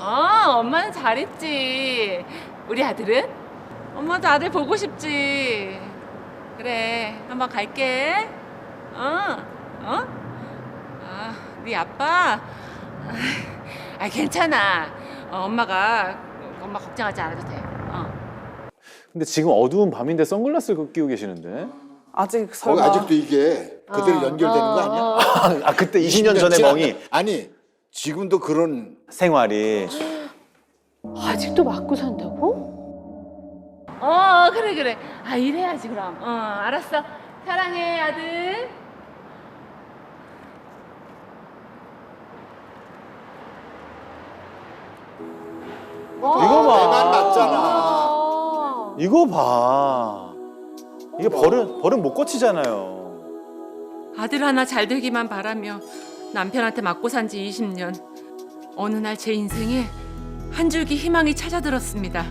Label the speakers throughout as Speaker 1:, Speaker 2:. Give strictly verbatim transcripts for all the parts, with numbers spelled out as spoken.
Speaker 1: 어, 엄마는 잘했지. 우리 아들은? 엄마도 아들 보고 싶지. 그래, 한번 갈게. 어, 어? 아, 네 아빠? 아, 괜찮아. 어, 엄마가 엄마 걱정하지 않아도 돼. 어.
Speaker 2: 근데 지금 어두운 밤인데 선글라스를 끼고 계시는데?
Speaker 3: 아직
Speaker 4: 거기
Speaker 3: 설마.
Speaker 4: 아직도 이게 그대로
Speaker 1: 어,
Speaker 4: 연결되는 거 아니야?
Speaker 1: 어, 어.
Speaker 2: 아 그때 이십 년 전의
Speaker 4: 지났-
Speaker 2: 멍이
Speaker 4: 아니 지금도 그런
Speaker 2: 생활이
Speaker 5: 아직도 맞고 산다고?
Speaker 1: 어, 그래, 그래. 아, 이래야지, 그럼. 어, 알았어. 사랑해, 아들.
Speaker 2: 이거 봐.
Speaker 4: 내만 맞잖아.
Speaker 5: 아.
Speaker 2: 이거 봐. 이게 버릇 버릇 못 고치잖아요.
Speaker 1: 아들 하나 잘 되기만 바라며 남편한테 맞고 산 지 이십 년. 어느 날 제 인생에 한 줄기 희망이 찾아들었습니다.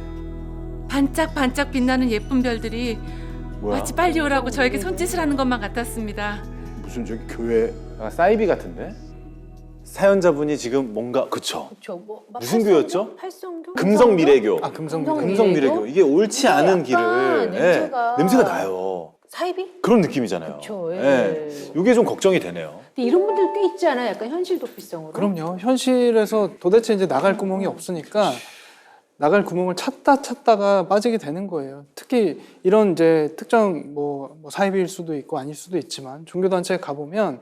Speaker 1: 반짝반짝 빛나는 예쁜 별들이
Speaker 2: 뭐야?
Speaker 1: 마치 빨리 오라고 저에게 손짓을 하는 것만 같았습니다.
Speaker 4: 무슨 저기 교회
Speaker 2: 약간 사이비 같은데? 사연자분이 지금 뭔가 그쵸?
Speaker 5: 그쵸. 뭐, 막
Speaker 2: 무슨
Speaker 5: 팔성교?
Speaker 2: 교였죠?
Speaker 5: 팔성교?
Speaker 2: 금성미래교.
Speaker 3: 아 금성
Speaker 5: 금성-
Speaker 2: 금성미래교.
Speaker 5: 미래교?
Speaker 2: 이게 옳지 않은
Speaker 5: 이게 약간
Speaker 2: 길을 예,
Speaker 5: 냄새가-
Speaker 2: 냄새가 나요.
Speaker 5: 사이비?
Speaker 2: 그런 느낌이잖아요.
Speaker 5: 그쵸, 예.
Speaker 2: 예. 이게 좀 걱정이 되네요.
Speaker 5: 근데 이런 분들 꽤 있지 않아요? 약간 현실 도피성으로.
Speaker 3: 그럼요. 현실에서 도대체 이제 나갈 구멍이 없으니까 나갈 구멍을 찾다 찾다가 빠지게 되는 거예요. 특히 이런 이제 특정 뭐, 뭐 사이비일 수도 있고 아닐 수도 있지만 종교단체에 가보면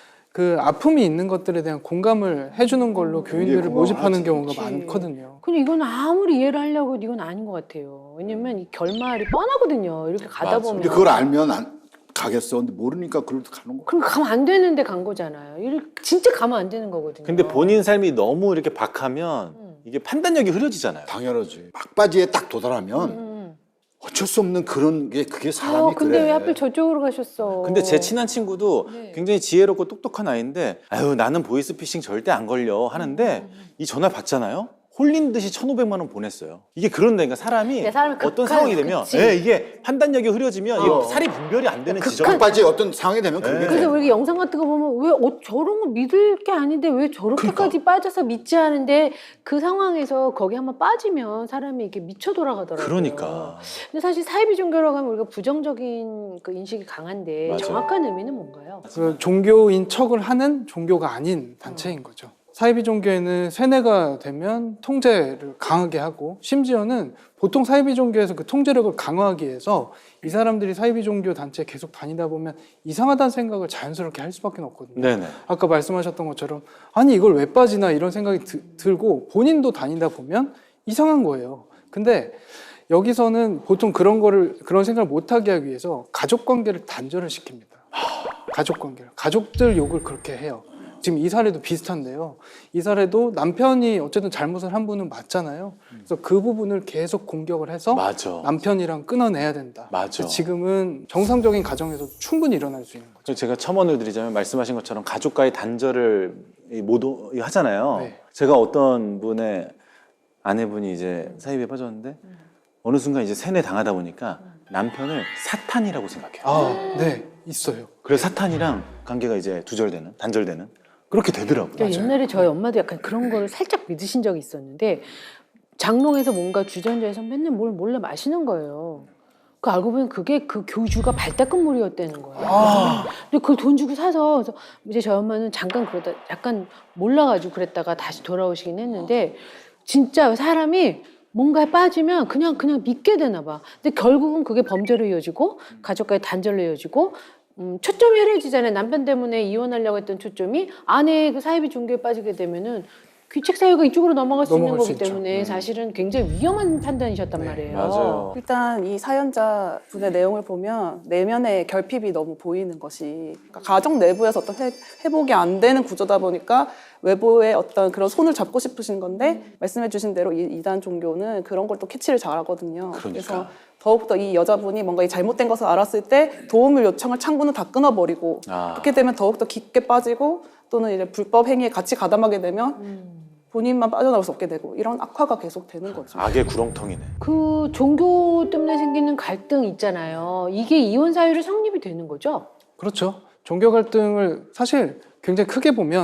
Speaker 3: 그 아픔이 있는 것들에 대한 공감을 해주는 걸로 교인들을
Speaker 4: 고마워하지.
Speaker 3: 모집하는 경우가
Speaker 5: 그치.
Speaker 3: 많거든요.
Speaker 5: 근데 이건 아무리 이해를 하려고 해도 이건 아닌 것 같아요. 왜냐면 이 결말이 뻔하거든요. 이렇게 가다
Speaker 2: 맞아.
Speaker 5: 보면.
Speaker 4: 근데 그걸 알면 안 가겠어. 근데 모르니까 그래도 가는 거.
Speaker 5: 그럼 가면 안 되는데 간 거잖아요. 이렇게 진짜 가면 안 되는 거거든요.
Speaker 2: 근데 본인 삶이 너무 이렇게 박하면
Speaker 5: 음.
Speaker 2: 이게 판단력이 흐려지잖아요.
Speaker 4: 당연하지. 막바지에 딱 도달하면
Speaker 5: 음.
Speaker 4: 어쩔 수 없는 그런 게 그게
Speaker 5: 아,
Speaker 4: 사람이
Speaker 5: 근데
Speaker 4: 그래.
Speaker 5: 왜 하필 저쪽으로 가셨어?
Speaker 2: 근데 제 친한 친구도
Speaker 5: 네.
Speaker 2: 굉장히 지혜롭고 똑똑한 아이인데 아유 나는 보이스피싱 절대 안 걸려 하는데
Speaker 5: 음.
Speaker 2: 이 전화 받잖아요. 홀린 듯이 천오백만 원 보냈어요. 이게 그런데 그러니까 사람이
Speaker 5: 네, 사람이
Speaker 2: 어떤
Speaker 5: 극한,
Speaker 2: 상황이 되면
Speaker 5: 그치.
Speaker 2: 예, 이게 판단력이 흐려지면 이게
Speaker 4: 어.
Speaker 2: 살이 분별이 안 되는
Speaker 5: 극한-
Speaker 2: 지점.
Speaker 4: 막바지에 어떤 상황이 되면 그게
Speaker 2: 네.
Speaker 4: 돼.
Speaker 5: 그래서 우리 영상 같은 거 보면 왜 어, 저런 거 믿을 게 아닌데 왜 저렇게까지 빠져서 믿지 않은데 그 상황에서 거기 한번 빠지면 사람이 이게 미쳐 돌아가더라고요.
Speaker 2: 그러니까
Speaker 5: 근데 사실 사이비 종교라고 하면 우리가 부정적인 그 인식이 강한데
Speaker 2: 맞아요.
Speaker 5: 정확한 의미는 뭔가요?
Speaker 3: 그 종교인 척을 하는 종교가 아닌 단체인 거죠. 사이비 종교에는 세뇌가 되면 통제를 강하게 하고 심지어는 보통 사이비 종교에서 그 통제력을 강화하기 위해서 이 사람들이 사이비 종교 단체에 계속 다니다 보면 이상하다는 생각을 자연스럽게 할 수밖에 없거든요.
Speaker 2: 네네.
Speaker 3: 아까 말씀하셨던 것처럼 아니 이걸 왜 빠지나 이런 생각이 드, 들고 본인도 다니다 보면 이상한 거예요. 근데 여기서는 보통 그런 거를 그런 생각을 못하게 하기 위해서 가족 관계를 단절을 시킵니다. 가족 관계를 가족들 욕을 그렇게 해요. 지금 이 사례도 비슷한데요. 이 사례도 남편이 어쨌든 잘못을 한 분은 맞잖아요. 그래서 그 부분을 계속 공격을 해서
Speaker 2: 맞아.
Speaker 3: 남편이랑 끊어내야 된다.
Speaker 2: 맞아.
Speaker 3: 지금은 정상적인 가정에서 충분히 일어날 수 있는 거죠.
Speaker 2: 그래서 제가 첨언을 드리자면 말씀하신 것처럼 가족과의 단절을 이 모두 하잖아요.
Speaker 3: 네.
Speaker 2: 제가 어떤 분의 아내분이 이제 사이비에 빠졌는데 어느 순간 이제 세뇌 당하다 보니까 남편을 사탄이라고 생각해요.
Speaker 3: 아, 네, 있어요.
Speaker 2: 그래서 사탄이랑 관계가 이제 두절되는, 단절되는 그렇게 되더라고요.
Speaker 5: 그러니까 옛날에 저희 엄마도 약간 그런 거를 살짝 믿으신 적이 있었는데 장롱에서 뭔가 주전자에서 맨날 뭘 몰래 마시는 거예요. 그 알고 보면 그게 그 교주가 발닦은물이었다는 거예요.
Speaker 3: 아,
Speaker 5: 근데 그걸 돈 주고 사서 그래서 이제 저희 엄마는 잠깐 그러다 약간 몰라가지고 그랬다가 다시 돌아오시긴 했는데 진짜 사람이 뭔가에 빠지면 그냥 그냥 믿게 되나 봐. 근데 결국은 그게 범죄로 이어지고 가족과의 단절로 이어지고 음, 초점이 흐려지잖아요. 남편 때문에 이혼하려고 했던 초점이 아내의 그 사이비 종교에 빠지게 되면은 귀책 사유가 이쪽으로 넘어갈 수 있는
Speaker 3: 넘어갈 수
Speaker 5: 거기
Speaker 3: 있죠.
Speaker 5: 때문에
Speaker 2: 음.
Speaker 5: 사실은 굉장히 위험한 판단이셨단
Speaker 3: 네,
Speaker 5: 말이에요.
Speaker 2: 맞아요.
Speaker 3: 일단
Speaker 6: 이 사연자 분의 내용을 보면 내면의 결핍이 너무 보이는 것이 그러니까 가정 내부에서 어떤 회, 회복이 안 되는 구조다 보니까 외부의 어떤 그런 손을 잡고 싶으신 건데 말씀해 주신 대로 이 이단 종교는 그런 걸 또 캐치를 잘하거든요.
Speaker 2: 그러니까.
Speaker 6: 그래서 더욱더 이 여자분이 뭔가 이 잘못된 것을 알았을 때 도움을 요청할 창구는 다 끊어버리고
Speaker 2: 아.
Speaker 6: 그렇게 되면 더욱더 깊게 빠지고 또는 이제 불법 행위에 같이 가담하게 되면
Speaker 5: 음.
Speaker 6: 본인만 빠져나올 수 없게 되고 이런 악화가 계속 되는 거죠.
Speaker 2: 악의 구렁텅이네.
Speaker 5: 그 종교 때문에 생기는 갈등 있잖아요. 이게 이혼 사유로 성립이 되는 거죠?
Speaker 3: 그렇죠. 종교 갈등을 사실 굉장히 크게 보면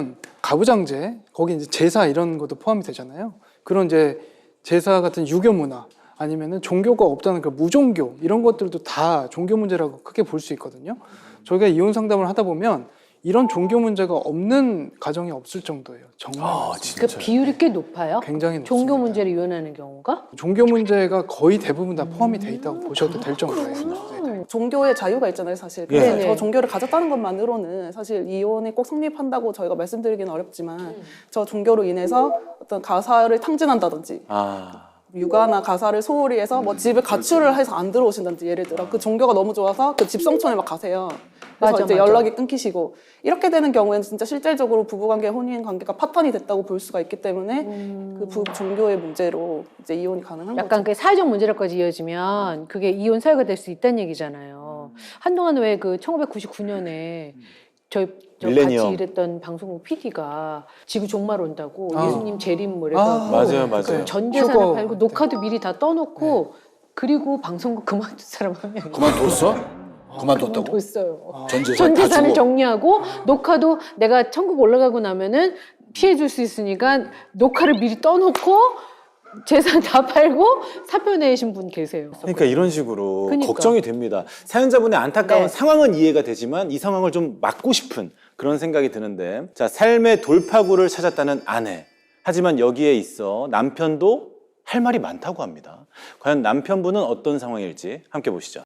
Speaker 3: 가부장제, 거기 이제 제사 이런 것도 포함이 되잖아요. 그런 이제 제사 같은 유교 문화 아니면은 종교가 없다는 그 무종교 이런 것들도 다 종교 문제라고 크게 볼 수 있거든요. 저희가 이혼 상담을 하다 보면 이런 종교 문제가 없는 가정이 없을 정도예요. 정말
Speaker 2: 아,
Speaker 3: 많습니다.
Speaker 5: 그 비율이 꽤 높아요.
Speaker 3: 굉장히 높습니다.
Speaker 5: 종교 문제를 이혼하는 경우가?
Speaker 3: 종교 문제가 거의 대부분 다 포함이 돼 있다고 보셔도 될 정도예요. 네.
Speaker 6: 종교의 자유가 있잖아요, 사실.
Speaker 2: 예.
Speaker 6: 근데
Speaker 5: 네네.
Speaker 6: 저 종교를 가졌다는 것만으로는 사실 이혼이 꼭 성립한다고 저희가 말씀드리기는 어렵지만 저 종교로 인해서 어떤 가사를 탕진한다든지
Speaker 2: 아,
Speaker 6: 육아나 가사를 소홀히 해서 뭐 집을 가출을 해서 안 들어오신다든지 예를 들어 그 종교가 너무 좋아서 그 집 성촌에 막 가세요. 그래서
Speaker 5: 맞아,
Speaker 6: 이제
Speaker 5: 맞아.
Speaker 6: 연락이 끊기시고 이렇게 되는 경우에는 진짜 실질적으로 부부관계, 혼인관계가 파탄이 됐다고 볼 수가 있기 때문에 그 부, 종교의 문제로 이제 이혼이 가능한
Speaker 5: 약간
Speaker 6: 거죠.
Speaker 5: 그 사회적 문제로까지 이어지면 그게 이혼 사유가 될 수 있다는 얘기잖아요. 한동안 왜 그 천구백구십구 년에 저희 저
Speaker 2: 밀레니엄.
Speaker 5: 같이 일했던 방송국 피디가 지구 종말 온다고
Speaker 3: 아.
Speaker 5: 예수님 재림 뭐
Speaker 3: 아,
Speaker 5: 이래서
Speaker 2: 맞아요, 맞아요.
Speaker 5: 전 재산을
Speaker 3: 휴거.
Speaker 5: 팔고 녹화도 미리 다 떠놓고 그리고 방송국 그만둔 사람 한 명이
Speaker 4: 그만뒀어? 그만뒀다고?
Speaker 5: 그만뒀어요.
Speaker 4: 전 재산
Speaker 5: 전
Speaker 4: 다
Speaker 5: 재산을
Speaker 4: 주고.
Speaker 5: 정리하고 녹화도 내가 천국 올라가고 나면은 피해 줄 수 있으니까 녹화를 미리 떠놓고 재산 다 팔고 사표 내신 분 계세요.
Speaker 2: 그러니까 이런 식으로
Speaker 5: 그러니까.
Speaker 2: 걱정이 됩니다. 사연자분의 안타까운
Speaker 5: 네.
Speaker 2: 상황은 이해가 되지만 이 상황을 좀 막고 싶은 그런 생각이 드는데, 자, 삶의 돌파구를 찾았다는 아내. 하지만 여기에 있어 남편도 할 말이 많다고 합니다. 과연 남편분은 어떤 상황일지 함께 보시죠.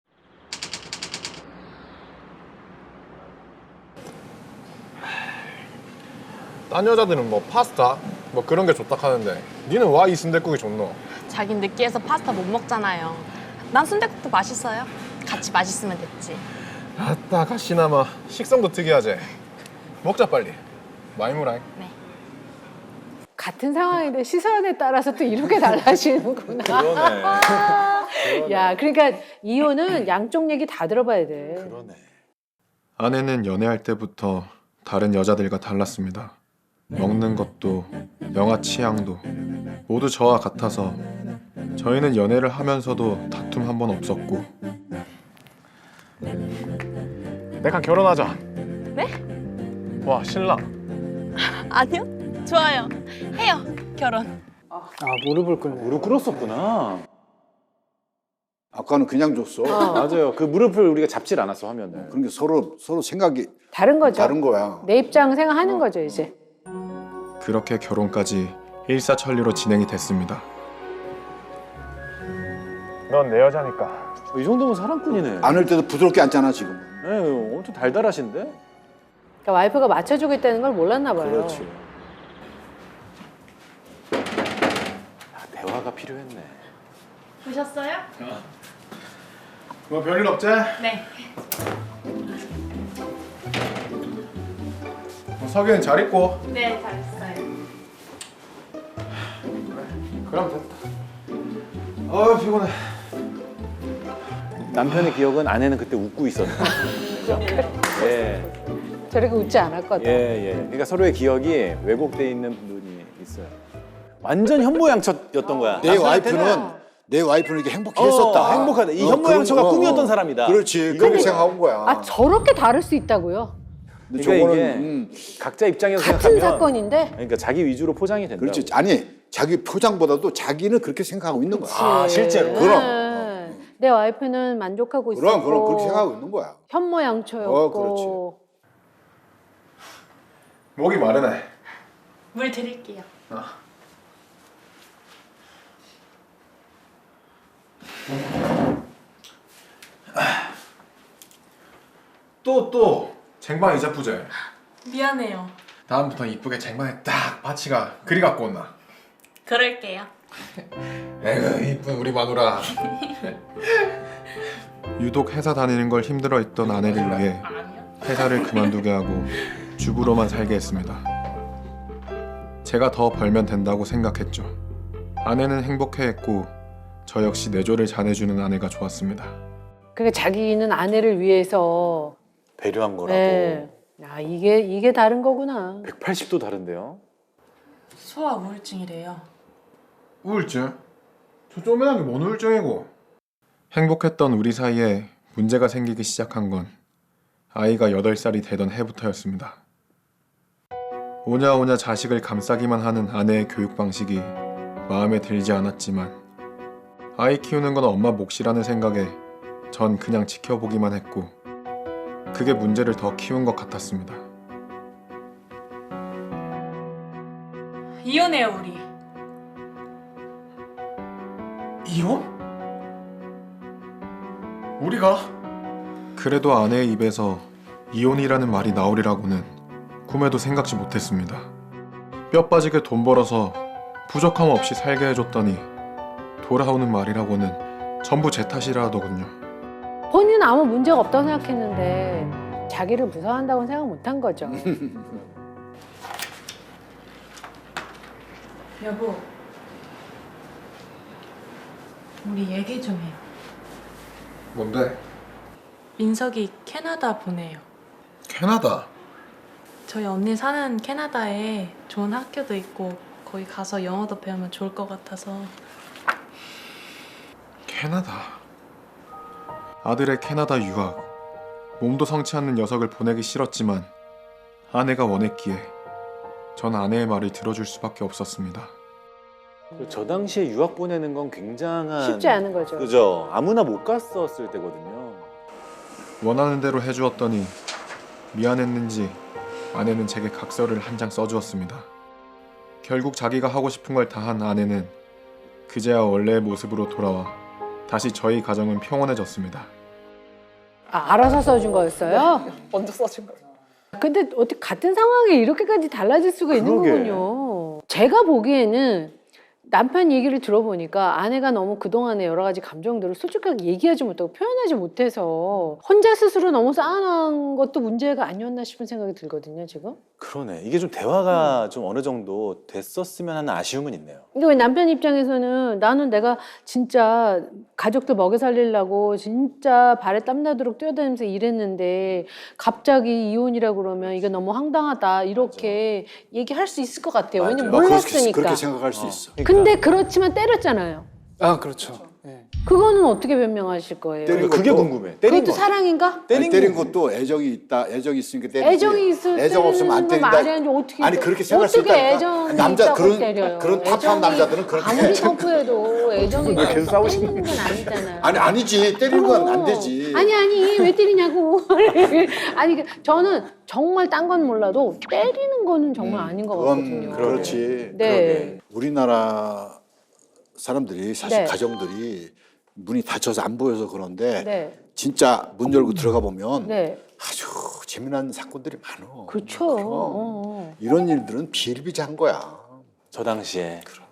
Speaker 7: 딴 여자들은 뭐 파스타 뭐 그런 게 좋다 하는데 니는 와 이 순댓국이 좋노?
Speaker 8: 자긴 느끼해서 파스타 못 먹잖아요. 난 순댓국도 맛있어요. 같이 맛있으면 됐지.
Speaker 7: 아따 가시나마 식성도 특이하지. 먹자 빨리. 많이 무라이.
Speaker 5: 같은 상황인데 시선에 따라서 또 이렇게 달라지는구나.
Speaker 2: 그러네.
Speaker 5: 야, 그러니까 이혼은 양쪽 얘기 다 들어봐야 돼.
Speaker 2: 그러네.
Speaker 7: 아내는 연애할 때부터 다른 여자들과 달랐습니다. 먹는 것도 영화 취향도 모두 저와 같아서 저희는 연애를 하면서도 다툼 한 번 없었고. 내가 결혼하자.
Speaker 8: 네?
Speaker 7: 와 신랑.
Speaker 8: 아니요? 좋아요. 해요. 결혼.
Speaker 3: 아, 무릎을 꿇네.
Speaker 2: 무릎 꿇었었구나.
Speaker 4: 아까는 그냥 줬어.
Speaker 2: 맞아요. 그 무릎을 우리가 잡질 않았어, 화면을.
Speaker 4: 그러니까 서로 서로 생각이
Speaker 5: 다른 거죠.
Speaker 4: 다른 거야.
Speaker 5: 내 입장 생각하는 거죠, 이제.
Speaker 7: 그렇게 결혼까지 일사천리로 진행이 됐습니다. 넌 내 여자니까.
Speaker 2: 이 정도면 사랑꾼이네.
Speaker 4: 안을 때도 부드럽게 앉잖아 지금.
Speaker 2: 네, 엄청 달달하신데?
Speaker 5: 그러니까 와이프가 맞춰주고 있다는 걸 몰랐나 봐요.
Speaker 2: 그렇지. 아, 대화가 필요했네.
Speaker 8: 보셨어요?
Speaker 7: 뭐 별일 없지?
Speaker 8: 네.
Speaker 7: 뭐 석이는 잘 있고.
Speaker 8: 네, 잘했어요.
Speaker 7: 그럼 됐다. 아 피곤해.
Speaker 2: 남편의 기억은 아내는 그때 웃고 있었네. 그죠? 예,
Speaker 5: 저렇게 웃지 않았거든.
Speaker 2: 예, 예. 그러니까 서로의 기억이 왜곡돼 있는 부분이 있어요. 완전 현모양처였던 거야.
Speaker 4: 내
Speaker 2: 남편한테는
Speaker 4: 와이프는 내 와이프는 이렇게
Speaker 2: 어,
Speaker 4: 행복했었다.
Speaker 2: 행복하다. 이
Speaker 4: 어,
Speaker 2: 현모양처가
Speaker 4: 그런- 어,
Speaker 2: 꿈이었던
Speaker 4: 어.
Speaker 2: 사람이다.
Speaker 4: 그렇지.
Speaker 2: 이거를-
Speaker 4: 그렇게 생각한 거야.
Speaker 5: 아, 저렇게 다를 수 있다고요?
Speaker 4: 근데
Speaker 2: 그러니까
Speaker 4: 저거는
Speaker 2: 이게
Speaker 4: 음,
Speaker 2: 각자 입장에서
Speaker 5: 같은
Speaker 2: 생각하면
Speaker 5: 사건인데?
Speaker 2: 그러니까 자기 위주로 포장이 된다.
Speaker 4: 그렇지. 아니 자기 표장보다도 자기는 그렇게 생각하고 있는 거야.
Speaker 2: 아, 실제로.
Speaker 4: 그럼.
Speaker 5: 네. 내 와이프는 만족하고 있었고
Speaker 4: 그럼 그럼 그렇게 생각하고 있는 거야.
Speaker 5: 현모양처였고
Speaker 4: 어, 그렇지.
Speaker 7: 목이 마르네.
Speaker 8: 물 드릴게요.
Speaker 7: 또 또 쟁반 이자 부재.
Speaker 8: 미안해요.
Speaker 7: 다음부터 이쁘게 쟁반에 딱 바치가 그리 갖고 온나.
Speaker 8: 그럴게요.
Speaker 7: 에휴 이쁜 우리 마누라. 유독 회사 다니는 걸 힘들어했던 아내를 위해
Speaker 8: 아니요.
Speaker 7: 회사를 그만두게 하고 주부로만 살게 했습니다. 제가 더 벌면 된다고 생각했죠. 아내는 행복해했고 저 역시 내조를 잘해주는 아내가 좋았습니다.
Speaker 5: 그러니까 자기는 아내를 위해서
Speaker 2: 배려한 거라고.
Speaker 5: 네. 야, 이게 이게 다른 거구나.
Speaker 2: 백팔십 도 다른데요?
Speaker 8: 소아 우울증이래요.
Speaker 7: 우울증? 저 쪼매난 게 뭔 우울증이고. 행복했던 우리 사이에 문제가 생기기 시작한 건 아이가 여덟 살이 되던 해부터였습니다. 오냐오냐 자식을 감싸기만 하는 아내의 교육 방식이 마음에 들지 않았지만 아이 키우는 건 엄마 몫이라는 생각에 전 그냥 지켜보기만 했고 그게 문제를 더 키운 것 같았습니다.
Speaker 8: 이혼해요 우리.
Speaker 7: 이혼? 우리가? 그래도 아내의 입에서 이혼이라는 말이 나오리라고는 꿈에도 생각지 못했습니다. 뼈 빠지게 돈 벌어서 부족함 없이 살게 해줬더니 돌아오는 말이라고는 전부 제 탓이라 하더군요.
Speaker 5: 본인은 아무 문제가 없다고 생각했는데 자기를 무서워한다고는 생각 못한 거죠.
Speaker 8: 여보, 우리 얘기 좀 해요.
Speaker 7: 뭔데?
Speaker 8: 민석이 캐나다 보내요.
Speaker 7: 캐나다?
Speaker 8: 저희 언니 사는 캐나다에 좋은 학교도 있고 거기 가서 영어도 배우면 좋을 것 같아서.
Speaker 7: 캐나다. 아들의 캐나다 유학. 몸도 성치 않는 녀석을 보내기 싫었지만 아내가 원했기에 전 아내의 말을 들어줄 수밖에 없었습니다.
Speaker 2: 저 당시에 유학 보내는 건 굉장한
Speaker 5: 쉽지 않은 거죠.
Speaker 2: 그죠? 아무나 못 갔었을 때거든요.
Speaker 7: 원하는 대로 해주었더니 미안했는지 아내는 제게 각서를 한 장 써주었습니다. 결국 자기가 하고 싶은 걸 다 한 아내는 그제야 원래의 모습으로 돌아와 다시 저희 가정은 평온해졌습니다.
Speaker 5: 아, 알아서 써준 거였어요?
Speaker 6: 먼저 써준 거예요.
Speaker 5: 근데 어떻게 같은 상황에 이렇게까지 달라질 수가 있는
Speaker 2: 그러게.
Speaker 5: 거군요. 제가 보기에는 남편 얘기를 들어보니까 아내가 너무 그동안의 여러 가지 감정들을 솔직하게 얘기하지 못하고 표현하지 못해서 혼자 스스로 너무 쌓아놓은 것도 문제가 아니었나 싶은 생각이 들거든요, 지금.
Speaker 2: 그러네. 이게 좀 대화가 좀 어느 정도 됐었으면 하는 아쉬움은 있네요.
Speaker 5: 근데 왜 남편 입장에서는 나는 내가 진짜 가족들 먹여 살리려고 진짜 발에 땀나도록 뛰어다니면서 일했는데 갑자기 이혼이라고 그러면 이게 너무 황당하다 이렇게 얘기할 수 있을 것 같아요. 왜냐면
Speaker 2: 맞아요.
Speaker 5: 몰랐으니까.
Speaker 4: 그렇게 생각할 수
Speaker 2: 어.
Speaker 4: 있어.
Speaker 5: 근데 그렇지만 때렸잖아요.
Speaker 3: 아 그렇죠. 예.
Speaker 5: 그거는 어떻게 변명하실 거예요?
Speaker 4: 때린
Speaker 2: 그게
Speaker 4: 것도-
Speaker 2: 궁금해. 때린
Speaker 5: 그것도
Speaker 2: 거.
Speaker 5: 사랑인가?
Speaker 4: 때린,
Speaker 2: 때린
Speaker 4: 때린
Speaker 2: 거.
Speaker 4: 것도 애정이 있다. 애정이 있으니까 때리지.
Speaker 5: 애정이 있을
Speaker 4: 애정 없으면 안
Speaker 5: 때리는 거 말이
Speaker 4: 때린다.
Speaker 5: 아니지 어떻게
Speaker 4: 아니 그렇게 생각할 수
Speaker 5: 어떻게
Speaker 4: 있다니까.
Speaker 5: 애정이
Speaker 4: 남자
Speaker 5: 있다고
Speaker 4: 그런
Speaker 5: 때려요.
Speaker 4: 그런 탑한
Speaker 5: 애정이
Speaker 4: 남자들은 그렇게
Speaker 5: 아무리 터프해도 애정이
Speaker 2: 왜 계속
Speaker 5: 있다고
Speaker 2: 싸우시는
Speaker 5: 때리는 건 아니잖아요.
Speaker 4: 아니 아니지 때리는 건 안
Speaker 5: 그럼.
Speaker 4: 되지.
Speaker 5: 아니 아니 왜 때리냐고. 아니 그 저는 정말 딴 건 몰라도 때리는 거는 정말 아닌 것
Speaker 4: 그건
Speaker 5: 같거든요.
Speaker 4: 그렇지.
Speaker 5: 네.
Speaker 4: 우리나라 사람들이 사실
Speaker 5: 네.
Speaker 4: 가정들이 문이 닫혀서 안 보여서 그런데
Speaker 5: 네.
Speaker 4: 진짜 문 열고 들어가 보면
Speaker 5: 네.
Speaker 4: 아주 재미난 사건들이 많어.
Speaker 5: 그렇죠.
Speaker 4: 그럼.
Speaker 5: 어, 어.
Speaker 4: 이런 일들은 비일비재한 거야.
Speaker 2: 저 당시에